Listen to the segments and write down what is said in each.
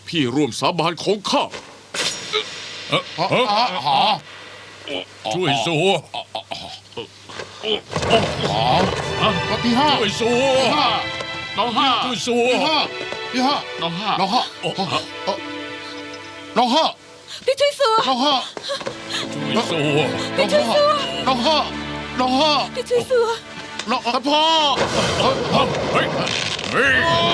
พี่ร่วมสาบานของข้าช่วยสัวพี่ห้าช่วยสัวน้องห้าช่วยสัวพี่ห้าน้องห้าน้องห้าน้องห้าพี่ช่วยสัวน้องห้าช่วยสัวน้องห้าน้องห้าพี่ช่วยสัวน้องท่านพ่อเฮ้ยเฮ้ย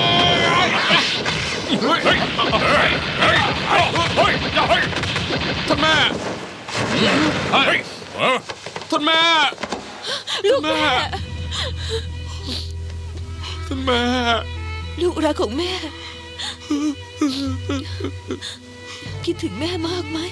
เฮ้ยเฮ้ยเฮ้ยเฮ้ยท่านแม่เฮ้ยท่านแม่ลูกแม่ท่านแม่ลูกรักของแม่ คิดถึงแม่มากไหม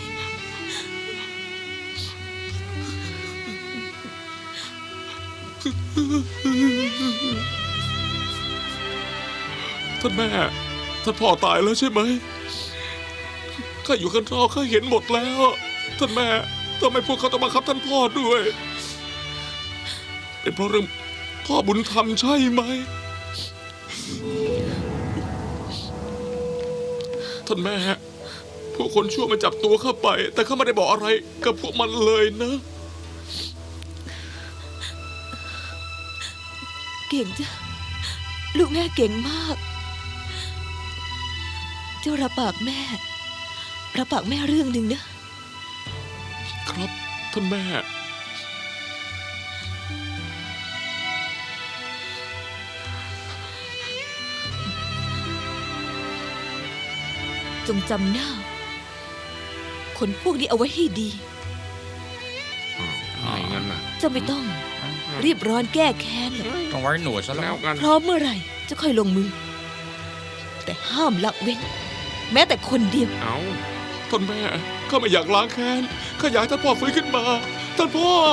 ท่านแม่ท่านพ่อตายแล้วใช่ไหมข้าอยู่ข้างนอกข้าเห็นหมดแล้ว ท่านแม่ทำไมพวกเขาต้องบังคับท่านพ่อด้วย เป็นเพราะเรื่องพ่อบุญธรรมใช่ไหมท่านแม่พวกคนชั่วมาจับตัวข้าไป แต่ข้าไม่ได้บอกอะไรกับพวกมันเลยนะเก่งจ้ะลูกแม่เก่งมาก เจ้ารับปากแม่รับปากแม่เรื่องหนึ่งนะครับท่านแม่จงจำหน้า คนพวกนี้เอาไว้ให้ดีไม่งั้นนะเจ้าไม่ต้อง รีบร้อนแก้แค้นหรอกต้องไว้หนวดซะแล้วพร้อมเมื่อไหร่จะค่อยลงมือ แต่ห้ามละเว้น แม้แต่คนเดียวเอาท่านแม่ข้าไม่อยากล้างแค้นข้าอยากให้ท่านพ่อฟื้นขึ้นมา ท่านพ่อ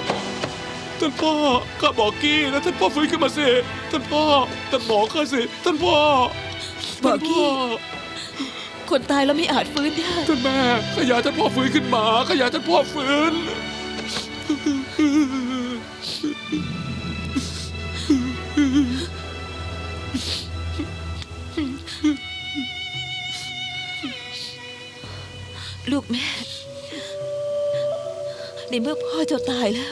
ข้าบอกกี้นะท่านพ่อฟื้นขึ้นมาสิท่านพ่อท่านหมอข้าสิท่านพ่อบอกกี้ท่านพ่อคนตายแล้วไม่อาจฟื้นได้ท่านแม่ข้าอยากให้ท่านพ่อฟื้นขึ้นมาข้าอยากให้ท่านพ่อฟื้นลูกแม่ ในเมื่อพ่อเจ้าตายแล้ว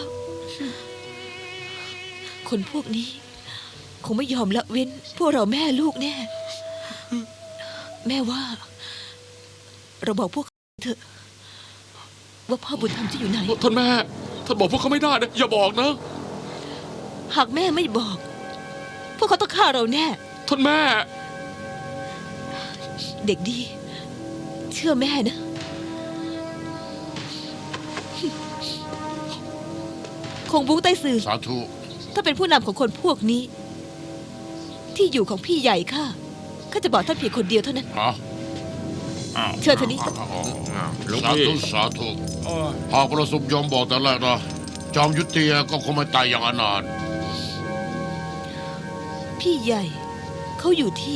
คนพวกนี้ คงไม่ยอมละเว้น พวกเราแม่ลูกแน่ แม่ว่า เราบอกพวกเขาเถอะ ว่าพ่อบุญธรรมจะอยู่ไหนท่านแม่ท่านบอกพวกเขาไม่ได้นะอย่าบอกนะหากแม่ไม่บอก พวกเขาต้องฆ่าเราแน่ท่านแม่เด็กดี เชื่อแม่นะ คงบุ้งใต้สื่อสาธุถ้าเป็นผู้นำของคนพวกนี้ ที่อยู่ของพี่ใหญ่ข้าจะบอกท่านเพียงคนเดียวเท่านั้นอ๋อเชิญท่านนี้สาธุสาธุหากประสบยอมบอกแต่แรกนะจอมยุทธเตียก็คงไม่ตายอย่างอนาถพี่ใหญ่เขาอยู่ที่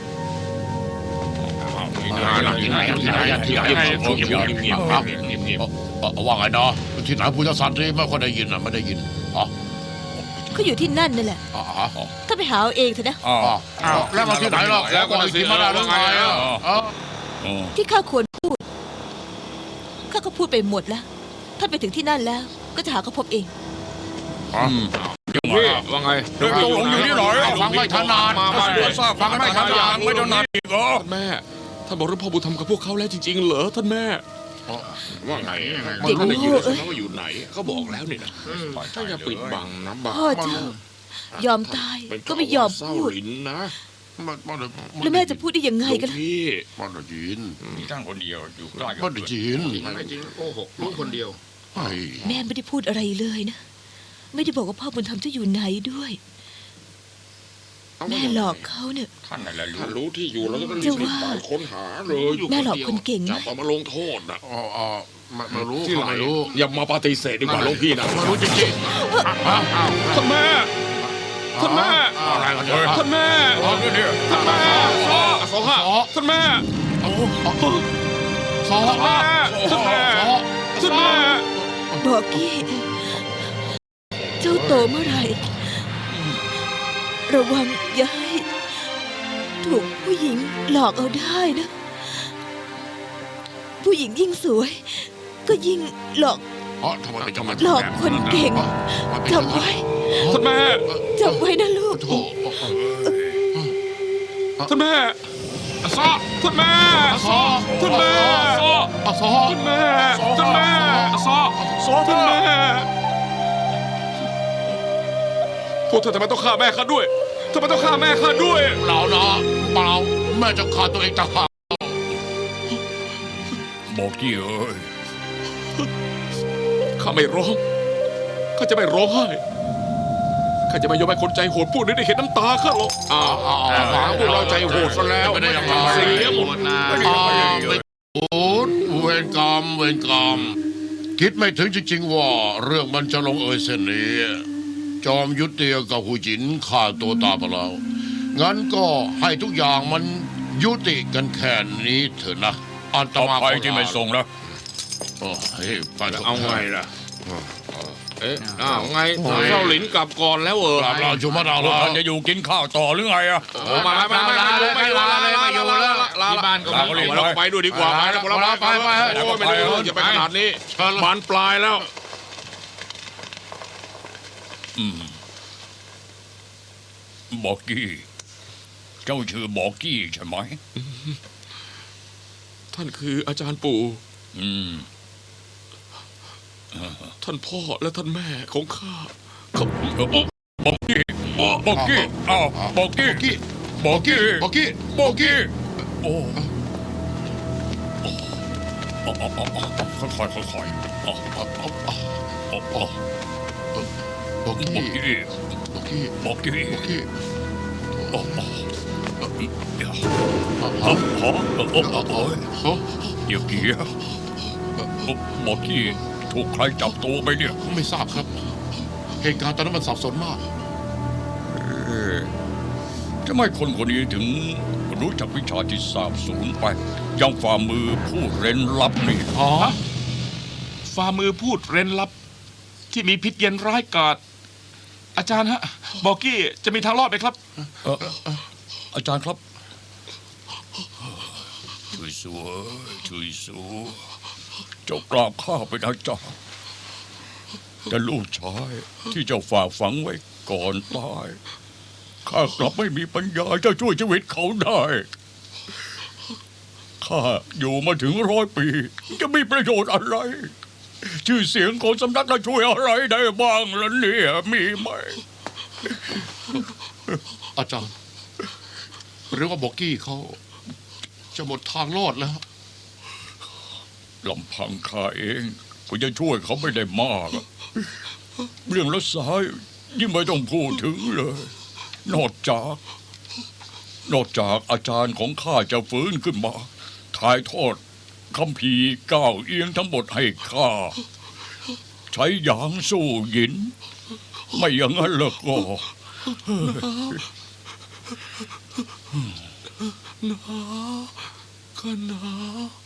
ว่าไงนะที่ไหนพุทธศาสนาไม่ค่อยได้ยินอ่ะไม่ได้ยินอ๋อเขาอยู่ที่นั่นนั่นแหละอ๋อถ้าไปหาเอาเองเถอะนะแล้วมาที่ไหนล่ะแล้วก็ที่มาได้หรือไงอ่ะที่ข้าควรพูดข้าก็พูดไปหมดแล้ว ถ้าไปถึงที่นั่นแล้ว ก็จะหาเขาพบเองพี่ว่าไงตกลงอยู่ที่ไหนฟังไม่ถนัดฟังไม่ถนัดไม่ถนัดอีกเหรอท่านแม่ท่านบอกเรื่องพ่อบุญธรรมกับพวกเขาแล้วจริงๆเหรอท่านแม่ว่าไงเด็กท่านได้ยินโง่แล้วใช่เอ้ยไหมว่าอยู่ไหนเขาบอกแล้วนี่นะถ้าอย่าปิดบังนะบังพ่อเจ้ายอมตายก็ไม่ยอมเศร้าพูดลิ้นนะแล้วแม่จะพูดได้ยังไงหลวงกันล่ะพี่มันได้ยินมีท่านคนเดียวอยู่ใกล้กัมันได้ยินไม่จริงโกหกรู้คนเดียวแม่ไม่ได้พูดอะไรเลยนะ ไม่ได้บอกว่าพ่อบุญธรรมจะอยู่ไหนด้วย แม่หลอกเขาเนี่ยท่านอะไรรู้ถ้ารู้ที่อยู่แล้วก็รีเจ้าบว่าไปค้นหาเลยแม่หลอกคนเก่งไหมจับเอามาลงโทษนะอ๋อไม่รู้ที่ไหนไม่รู้อย่ามาปฏิเสธดีกว่าหลวงพี่นะไม่รู้จริงท่านแม่ท่านแม่อะไรกันเนี่ยท่านแม่ ท่านแม่สองห้าท่านแม่สองท่านแม่ท่านแม่ท่านแม่บอกกี้ เจ้าโตเมื่อไหร่ ระวังอย่าให้ถูกผู้หญิงหลอกเอาได้นะผู้หญิงยิ่งสวย ก็ยิ่งหลอกอ๋อทำไมเป็นจังหวะหลอกคนเก่งจำไว้ท่านแม่จำไว้นะลูกโถ่ท่านแม่ซอท่านแม่ซอท่านแม่ซออาซอท่านแม่ท่านแม่ซอซอท่านแม่พวกเธอทำไมต้องฆ่าแม่ข้าด้วยทำไมต้องฆ่าแม่ข้าด้วยเปล่านะเปล่าแม่จะฆ่าตัวเองต่างหากบอกกี้เอ้ยข้าไม่ร้องข้าจะไม่ร้องไห้ข้าจะไม่ยอมให้คนใจโหดพวกนี้ได้เห็นน้ำตาข้าหรอกหาพวกเราใจโหดซะแล้วไม่ได้ยังไงเสียหมดนะไม่โอ้เวรกรรมเวรกรรมคิดไม่ถึงจริงๆว่าเรื่องมันจะลงเอยเส้นนี้ จอมยุทธเตียกับหูจินฆ่าตัวตายไปแล้วงั้นก็ให้ทุกอย่างมันยุติกันแค่นี้เถอะนะอันตต่อมาไปที่ไม่ส่งแล้วเฮ้ยไปถะเอาไงล่ะ เอ๊ะอ้าวไงเจ้าหลินกลับก่อนแล้วกลับเราชุมาดาพวกลาท่านจะอยู่กินข้าวต่อหรือไงอะมาที่บ้านก็เราไปด้วยดีกว่าไปนะพวกเราไปโอ้ยไม่ได้อย่าไปขนาดนี้บานปลายแล้วบอกกี้เจ้าชื่อบอกกี้ใช่ไหมท่านคืออาจารย์ปู่อืมท่านพ่อและท่านแม่ของข้าเขาบอกกี้บอกกี้อ้าวบอกกี้บอกกี้บอกกี้บอกกี้โอ้ค่อยๆค่อยๆบอกกี้บอกกี้บอกกี้บอกกี้บอกกี้เดี๋ยวอย่าเกี้ยบอกกี้ถูกใครจับตัวไปเนี่ยไม่ทราบครับ เหตุการณ์ตอนนั้นมันสับสนมากทำไมคนคนนี้ถึงรู้จักวิชาที่สาบสูญไปยังฝ่ามือผู้เร้นลับนี่อ๋อฝ่ามือพูดเร้นลับ ที่มีพิษเย็นร้ายกาจอาจารย์ฮะ บอกกี้จะมีทางรอดไหมครับอาจารย์ครับช่วยสัวเจ้ากราบข้าเป็นอาจารย์แต่ลูกชายที่เจ้าฝากฝังไว้ก่อนตายข้ากลับไม่มีปัญญาจะช่วยชีวิตเขาได้ข้าอยู่มาถึง100 ปีจะมีประโยชน์อะไร ชื่อเสียงของสำนักจะช่วยอะไรได้บ้างล่ะเนี่ยมีไหมอาจารย์ หรือว่าบอกกี้เขาจะหมดทางรอดแล้วลำพังข้าเองก็จะช่วยเขาไม่ได้มากอะเรื่องรักษายิ่งไม่ต้องพูดถึงเลย นอกจากอาจารย์ของข้าจะฟื้นขึ้นมาถ่ายทอดคัมภีร์ก้าวเอียงทั้งหมดให้ข้าใช้หยางสู้หยิน ไม่อย่างนั้นแล้วก็ก็หนาว